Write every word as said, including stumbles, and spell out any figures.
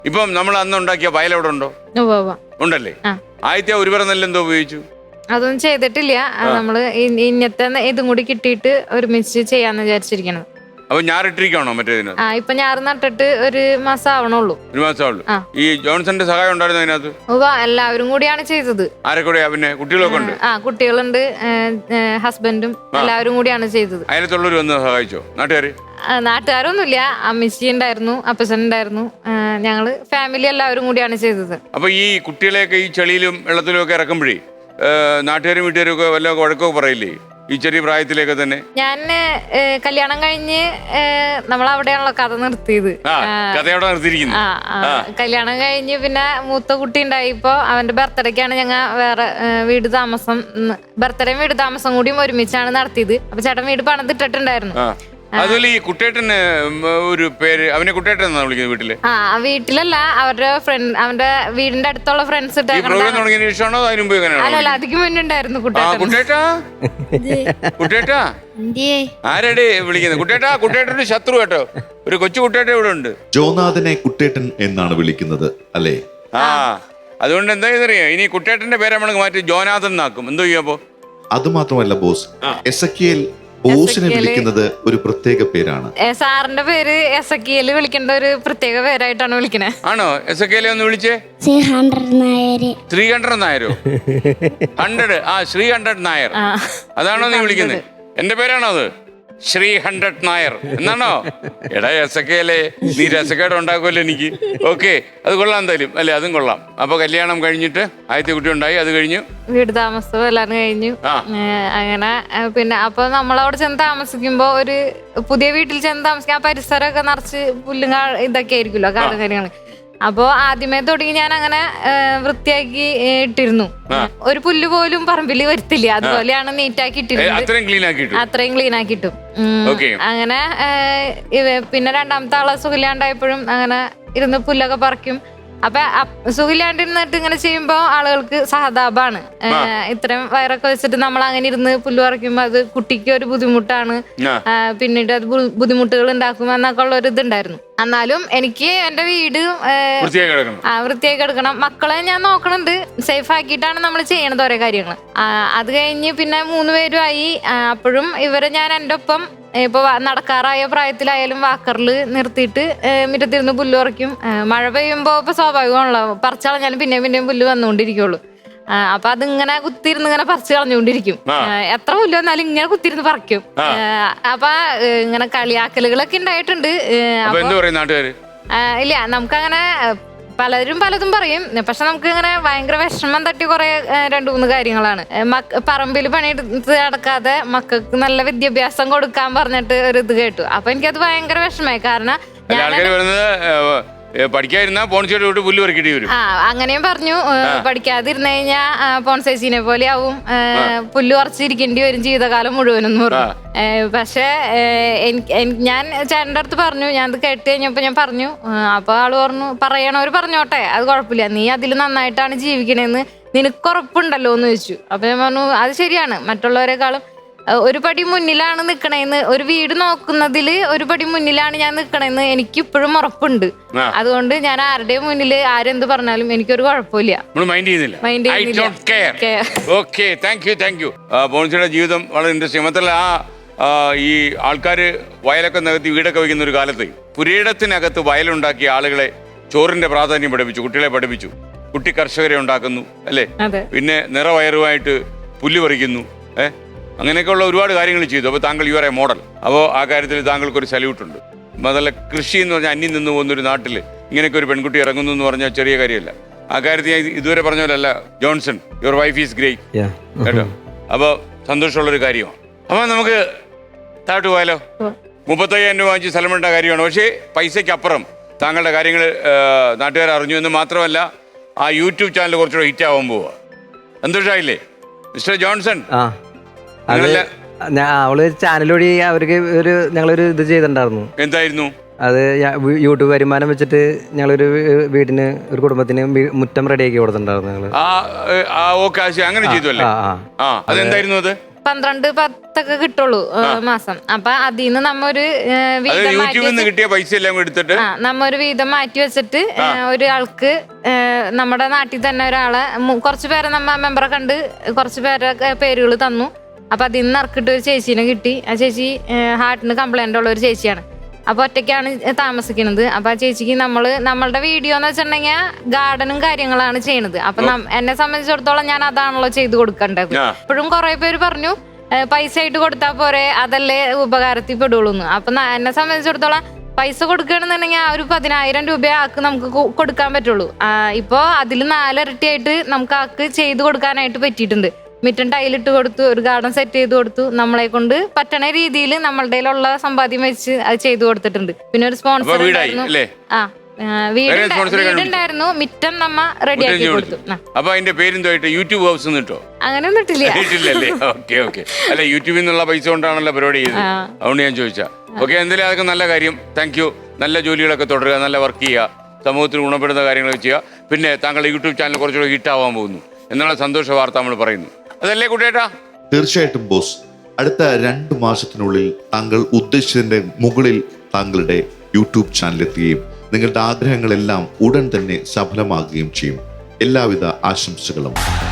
ഇപ്പം നമ്മൾ അന്ന് ഉണ്ടാക്കിയ വയൽ അവിടെ ഉണ്ടോ? ഉണ്ടല്ലേ. ആദ്യത്തെ ഒരു പറ നെല്ല് എന്തോ ഉപയോഗിച്ചു? അതൊന്നും ചെയ്തിട്ടില്ല. നമ്മള് ഇന്നത്തെ ഇതും കൂടി കിട്ടിയിട്ട് ഒരുമിച്ച് ചെയ്യാന്ന് വിചാരിച്ചിരിക്കണം. അപ്പൊ ഞാറിട്ടിരിക്കണോ മറ്റേതിന്? ആ ഇപ്പൊ ഞാറ് നട്ടിട്ട് ഒരു മാസം ആവണുള്ളൂ. ഒരു മാസം ആവുള്ളൂ. ഈ ജോൺസന്റെ സഹായം ഉണ്ടായിരുന്നു അതിനകത്ത്? എല്ലാവരും കൂടിയാണ് ചെയ്തത്. ആരെ കൂടെയാ? പിന്നെ കുട്ടികളൊക്കെ ഉണ്ട്? ആ കുട്ടികളുണ്ട്, ഹസ്ബൻഡും എല്ലാവരും കൂടിയാണ് ചെയ്തത്. അയലത്തുള്ളവർ വന്ന് സഹായിച്ചോ നാട്ടുകാര്? നാട്ടുകാരൊന്നുമില്ല, അമ്മച്ചി ഉണ്ടായിരുന്നു, അപ്പച്ചൻ ഉണ്ടായിരുന്നു, ഞങ്ങള് ഫാമിലി എല്ലാവരും കൂടിയാണ് ചെയ്തത്. അപ്പൊ ഈ കുട്ടികളെയൊക്കെ ഈ ചെളിയിലും വെള്ളത്തിലും ഒക്കെ ഇറക്കുമ്പോഴേ നാട്ടുകാരും വീട്ടുകാരും ഒക്കെ വല്ല വഴക്കമൊക്കെ പറയില്ലേ ഈ ചെറിയ പ്രായത്തിലേക്ക് തന്നെ? ഞാൻ കല്യാണം കഴിഞ്ഞ് നമ്മളവിടെയാണല്ലോ കഥ നിർത്തിയത്. കഥയോടെ നിർത്തിയിരിക്കുന്നു. കല്യാണം കഴിഞ്ഞ് പിന്നെ മൂത്ത കുട്ടി ഉണ്ടായിപ്പോ അവന്റെ ബർത്ത്ഡേക്കാണ് ഞങ്ങൾ വേറെ വീട് താമസം, ബർത്ത്ഡേയും വീട് താമസം കൂടിയും ഒരുമിച്ചാണ് നടത്തിയത്. അപ്പൊ ചേട്ടൻ വീട് പണിതിട്ടിട്ടുണ്ടായിരുന്നു. അതുപോലെ ഈ കുട്ടേട്ടന് ഒരു പേര്, അവനെ കുട്ടേട്ടൻ എന്നാ വിളിക്കുന്നത് വീട്ടില്? ആ വീട്ടിലല്ല, അവരുടെ ഫ്രണ്ട്, അവന്റെ വീടിന്റെ അടുത്തുള്ള ഫ്രണ്ട്സ്. അല്ലല്ല, അതിക്ക് മുന്നുണ്ടായിരുന്നു കുട്ടേട്ടാ. കുട്ടേട്ടാ ആരടെ വിളിക്കുന്നത്? കുട്ടേട്ടാ. കുട്ടേട്ടന്റെ ശത്രു കേട്ടോ, ഒരു കൊച്ചു കുട്ടേട്ട ഇവിടെ ഉണ്ട്. ജോനാഥനെ കുട്ടേട്ടൻ എന്നാണ് വിളിക്കുന്നത് അല്ലേ? ആ അതുകൊണ്ട് എന്താ അറിയാ, ഇനി കുട്ടേട്ടന്റെ പേര് നമ്മൾ മാറ്റി ജോനാഥൻ എന്നാക്കും. എന്തോ ചെയ്യപ്പോ? അത് മാത്രമല്ല ബോസ്, എസക്കിയേൽ ബോസിനെ വിളിക്കുന്നത് ഒരു പ്രത്യേക പേരാണ്. സാറിന്റെ പേര് എസക്കിയേൽ വിളിക്കേണ്ട ഒരു പ്രത്യേക പേരായിട്ടാണ് വിളിക്കണേ. ആണോ? എസക്കിയേലെ ഒന്ന് വിളിച്ചേ. ത്രീ ഹൺഡ്രഡ് നായരോ? ഹൺഡ്രഡ്. ആ ശ്രീ ഹൺഡ്രഡ് നായർ. അതാണോ നീ വിളിക്കുന്നത്? എന്റെ പേരാണോ അത്? ശ്രീ ഹൺഡ്രഡ് നായർ എന്നാണോ? എടാ എസക്കേലെ, നീ രസക്കേട് ഉണ്ടാക്കുമല്ലോ എനിക്ക്. ഓക്കെ, അത് കൊള്ളാം എന്തായാലും അല്ലേ, അതും കൊള്ളാം. അപ്പൊ കല്യാണം കഴിഞ്ഞിട്ട് ആദ്യത്തെ കുട്ടി ഉണ്ടായി, അത് കഴിഞ്ഞു വീട് താമസവും എല്ലാം കഴിഞ്ഞു. അങ്ങനെ പിന്നെ അപ്പൊ നമ്മളവിടെ ചെന്ന് താമസിക്കുമ്പോ ഒരു പുതിയ വീട്ടിൽ ചെന്ന് താമസിക്കാൻ ആ പരിസരമൊക്കെ നിറച്ച് പുല്ലും ഇതൊക്കെ ആയിരിക്കുമല്ലോ, കാട് കാര്യങ്ങൾ. അപ്പൊ ആദ്യമേ തുടങ്ങി ഞാൻ അങ്ങനെ വൃത്തിയാക്കി ഇട്ടിരുന്നു. ഒരു പുല്ല് പോലും പറമ്പിൽ വരുത്തില്ല, അതുപോലെയാണ് നീറ്റാക്കി ഇട്ടിരുന്നത്. അത്രയും ക്ലീൻ ആക്കിയിട്ടും അങ്ങനെ. പിന്നെ രണ്ടാമത്തെ ആളെ സുഖില്ലാണ്ടായപ്പോഴും അങ്ങനെ ഇരുന്ന് പുല്ലൊക്കെ പറിക്കും. അപ്പൊ സുഖില്ലാണ്ടിരുന്നിട്ട് ഇങ്ങനെ ചെയ്യുമ്പോ ആളുകൾക്ക് സഹതാപാണ്. ഇത്രയും വയറൊക്കെ വെച്ചിട്ട് നമ്മൾ അങ്ങനെ ഇരുന്ന് പുല്ല് പറിക്കുമ്പോ അത് കുട്ടിക്ക് ഒരു ബുദ്ധിമുട്ടാണ്, പിന്നീട് അത് ബുദ്ധിമുട്ടുകൾ ഉണ്ടാക്കും എന്നൊക്കെ ഉള്ള ഒരു ഇതുണ്ടായിരുന്നു. എന്നാലും എനിക്ക് എന്റെ വീട് ആ വൃത്തിയായി കിടക്കണം, മക്കളെ ഞാൻ നോക്കണുണ്ട്, സേഫ് ആക്കിയിട്ടാണ് നമ്മൾ ചെയ്യണത് ഓരോ കാര്യങ്ങൾ. അത് കഴിഞ്ഞ് പിന്നെ മൂന്ന് പേരുമായി. അപ്പോഴും ഇവരെ ഞാൻ എൻ്റെ ഒപ്പം ഇപ്പൊ നടക്കാറായ പ്രായത്തിലായാലും വാക്കറിൽ നിർത്തിയിട്ട് മുറ്റത്തിരുന്ന് പുല്ല് പറിക്കും. മഴ പെയ്യുമ്പോ ഇപ്പൊ സ്വാഭാവികമാണല്ലോ, പറിച്ചളഞ്ഞാലും പിന്നെയും പിന്നെയും പുല്ല് വന്നുകൊണ്ടിരിക്കുള്ളൂ. അപ്പൊ അതിങ്ങനെ കുത്തിരുന്ന് ഇങ്ങനെ പറിച്ച് കളഞ്ഞുകൊണ്ടിരിക്കും. എത്ര പുല്ല് വന്നാലും ഇങ്ങനെ കുത്തിരുന്ന് പറിക്കും. അപ്പൊ ഇങ്ങനെ കളിയാക്കലുകളൊക്കെ ഉണ്ടായിട്ടുണ്ട്. ഇല്ല, നമുക്കങ്ങനെ പലരും പലതും പറയും, പക്ഷെ നമുക്ക് ഇങ്ങനെ ഭയങ്കര വിഷമം തട്ടി കുറെ രണ്ടു മൂന്ന് കാര്യങ്ങളാണ്. പറമ്പിൽ പണിയെടുത്ത് നടക്കാതെ മക്കൾക്ക് നല്ല വിദ്യാഭ്യാസം കൊടുക്കാൻ പറഞ്ഞിട്ട് ഒരു ഇത് കേട്ടു. അപ്പൊ എനിക്കത് ഭയങ്കര വിഷമമായി. കാരണം ആ അങ്ങനെയും പറഞ്ഞു, പഠിക്കാതിരുന്നു കഴിഞ്ഞാ പോൺസൈസിനെ പോലെ ആവും, പുല്ല് പറിച്ചിരിക്കേണ്ടി വരും ജീവിതകാലം മുഴുവനെന്ന് പറഞ്ഞു. പക്ഷെ ഞാൻ ചേട്ടൻ്റെ അടുത്ത് പറഞ്ഞു, ഞാൻ അത് കേട്ട് കഴിഞ്ഞപ്പോ ഞാൻ പറഞ്ഞു. അപ്പൊ ആള് പറഞ്ഞു, പറയണവര് പറഞ്ഞോട്ടെ, അത് കുഴപ്പമില്ല, നീ അതിൽ നന്നായിട്ടാണ് ജീവിക്കണേന്ന് നിനക്ക് ഉറപ്പുണ്ടല്ലോ എന്ന് ചോദിച്ചു. അപ്പൊ ഞാൻ പറഞ്ഞു, അത് ശരിയാണ്, മറ്റുള്ളവരെക്കാളും ഒരു പടി മുന്നിലാണ് നിക്കണേന്ന്, ഒരു വീട് നോക്കുന്നതില് ഒരു പടി മുന്നിലാണ് ഞാൻ നിക്കണേന്ന് എനിക്ക് ഇപ്പോഴും ഉറപ്പുണ്ട്. അതുകൊണ്ട് ഞാൻ ആരുടെയും മുന്നിൽ ആരെന്ത് പറഞ്ഞാലും എനിക്കൊരു കുഴപ്പമില്ല. ജീവിതം വളരെ ഇൻട്രസ്റ്റിംഗ്. മാത്രമല്ല ആ ഈ ആൾക്കാര് വയലൊക്കെ നികത്തി വീടൊക്കെ വയ്ക്കുന്ന ഒരു കാലത്ത് പുരയിടത്തിനകത്ത് വയലുണ്ടാക്കിയ ആളുകളെ ചോറിന്റെ പ്രാധാന്യം പഠിപ്പിച്ചു, കുട്ടികളെ പഠിപ്പിച്ചു. കുട്ടി കർഷകരെ ഉണ്ടാക്കുന്നു അല്ലേ, പിന്നെ നിറവയറുമായിട്ട് പുല്ല് പറിക്കുന്നു, ഏഹ് അങ്ങനെയൊക്കെയുള്ള ഒരുപാട് കാര്യങ്ങൾ ചെയ്തു. അപ്പോൾ താങ്കൾ യു ആർ എ മോഡൽ. അപ്പോൾ ആ കാര്യത്തിൽ താങ്കൾക്കൊരു സല്യൂട്ടുണ്ട്. അതല്ല, കൃഷി എന്ന് പറഞ്ഞാൽ അന്യം നിന്ന് പോകുന്നൊരു നാട്ടിൽ ഇങ്ങനെയൊക്കെ ഒരു പെൺകുട്ടി ഇറങ്ങുന്നു എന്ന് പറഞ്ഞാൽ ചെറിയ കാര്യമല്ല. ആ കാര്യത്തിൽ ഞാൻ ഇതുവരെ പറഞ്ഞ പോലെ അല്ല, Johnson your wife is great കേട്ടോ. അപ്പോൾ സന്തോഷമുള്ളൊരു കാര്യമാണ്. അപ്പോൾ നമുക്ക് താഴോട്ട് പോയാലോ? മുപ്പത്തയ്യായിരം രൂപ വാങ്ങിച്ച് സ്ഥലമിട്ട കാര്യമാണ്. പക്ഷേ പൈസയ്ക്കപ്പുറം താങ്കളുടെ കാര്യങ്ങൾ നാട്ടുകാർ അറിഞ്ഞു എന്ന് മാത്രമല്ല, ആ യൂട്യൂബ് ചാനൽ കുറച്ചുകൂടെ ഹിറ്റ് ആവാൻ പോവുക. സന്തോഷമായില്ലേ മിസ്റ്റർ ജോൺസൺ? അവള് ചാനൽ വഴി അവർക്ക് ഒരു ഞങ്ങളൊരു ഇത് ചെയ്തിട്ടുണ്ടായിരുന്നു. എന്തായിരുന്നു അത്? യൂട്യൂബ് വരുമാനം വെച്ചിട്ട് ഞങ്ങളൊരു വീടിന്, ഒരു കുടുംബത്തിന് മുറ്റം റെഡിയാക്കി കൊടുത്തിട്ടുണ്ടായിരുന്നു ഞങ്ങള്. അങ്ങനെ ചെയ്തു അല്ലേ? അതെന്തായിരുന്നു അത്? പന്ത്രണ്ട് പത്തൊക്കെ കിട്ടുള്ളൂ ഏ, മാസം. അപ്പൊ അതിൽ നിന്ന് നമ്മ ഒരു ഏ, അത് വീതം മാറ്റി യൂട്യൂബിൽ നിന്ന് വെച്ച്- കിട്ടിയ പൈസ എല്ലാം കൂടി എടുത്തിട്ട് ആ നമ്മ ഒരു വീതം മാറ്റി വെച്ചിട്ട് ഏ, ഒരാൾക്ക് ഏ, നമ്മുടെ നാട്ടിൽ തന്നെ ഒരാളെ മു- കുറച്ച് പേരെ നമ്മ മെമ്പറെ കണ്ട് കുറച്ച് പേരെ പേരുകൾ തന്നു. അപ്പൊ അതിൽ നിന്ന് ഇറക്കിട്ട് ഒരു ചേച്ചീനെ കിട്ടി. ആ ചേച്ചി ഹാർട്ടിന് കംപ്ലൈന്റ് ഉള്ള ഒരു ചേച്ചിയാണ്. അപ്പൊ ഒറ്റയ്ക്കാണ് താമസിക്കുന്നത്. അപ്പൊ ആ ചേച്ചിക്ക് നമ്മള് നമ്മളുടെ വീഡിയോ എന്ന് വെച്ചിട്ടുണ്ടെങ്കിൽ ഗാർഡനും കാര്യങ്ങളാണ് ചെയ്യണത്. അപ്പൊ നം- എന്നെ സംബന്ധിച്ചിടത്തോളം ഞാൻ അതാണല്ലോ ചെയ്തു കൊടുക്കേണ്ടത്. ആ. ഇപ്പോഴും കുറെ പേര് പറഞ്ഞു "ഏ, പൈസ ആയിട്ട് കൊടുത്താൽ പോരെ, അതല്ലേ ഉപകാരത്തിൽ പെടുള്ളൂ". അപ്പൊ ന- എന്നെ സംബന്ധിച്ചിടത്തോളം പൈസ കൊടുക്കുകയാണെന്നുണ്ടെങ്കിൽ ആ ഒരു പതിനായിരം രൂപ ആക്ക് നമുക്ക് കൊ- കൊടുക്കാൻ പറ്റുള്ളൂ. ഇപ്പൊ അതിൽ നാലിരട്ടിയായിട്ട് നമുക്ക് ആക്ക് ചെയ്തു കൊടുക്കാനായിട്ട് പറ്റിയിട്ടുണ്ട്. മിറ്റൻ ടൈലിട്ട് കൊടുത്തു, ഒരു ഗാർഡൻ സെറ്റ് ചെയ്ത് കൊടുത്തു. നമ്മളെ കൊണ്ട് പറ്റണ രീതിയിൽ നമ്മളുടെ കയ്യിലുള്ള സമ്പാദ്യം വെച്ച് അത് ചെയ്തു കൊടുത്തിട്ടുണ്ട്. പിന്നെ ഒരു അപ്പൊ സ്പോൺസർ വീടായി അല്ലേ? ആ ആ, വീടുണ്ട- വേറെ sponsor നെ വീടുണ്ടായിരുന്നു, മിറ്റം നമ്മ റെഡിയാക്കി കൊടുത്തു. ആ, അപ്പൊ അതിന്റെ പേരെന്തോയിട്ട് യൂട്യൂബ് ഹൗസ് കിട്ടോ? അങ്ങനെയൊന്നും ഇട്ടില്ല. ഇട്ടില്ലല്ലേ? Okay okay. അല്ല യൂട്യൂബിൽ നിന്നുള്ള പൈസ കൊണ്ടാണല്ലോ പരിപാടി ചെയ്തത്. ആ. അതുകൊണ്ട് ഞാൻ ചോദിച്ചാ. ഓക്കെ, എന്തായാലും അതൊക്കെ നല്ല കാര്യം. Thank you. നല്ല ജോലികളൊക്കെ തുടരുക, നല്ല വർക്ക് ചെയ്യുക, സമൂഹത്തിന് ഗുണപ്പെടുന്ന കാര്യങ്ങളൊക്കെ ചെയ്യുക. പിന്നെ താങ്കളുടെ യൂട്യൂബ് ചാനൽ കുറച്ചുകൂടെ ഹിറ്റാവാൻ പോകുന്നു എന്നുള്ള സന്തോഷ വാർത്ത നമ്മൾ പറയുന്നു. അതല്ലേ കുട്ടേട്ടാ? തീർച്ചയായിട്ടും ബോസ്. അടുത്ത രണ്ട് മാസത്തിനുള്ളിൽ താങ്കൾ ഉദ്ദേശിച്ചതിന്റെ മുകളിൽ താങ്കളുടെ യൂട്യൂബ് ചാനൽ എത്തുകയും നിങ്ങളുടെ ആഗ്രഹങ്ങളെല്ലാം ഉടൻ തന്നെ സഫലമാകുകയും ചെയ്യും. എല്ലാവിധ ആശംസകളും.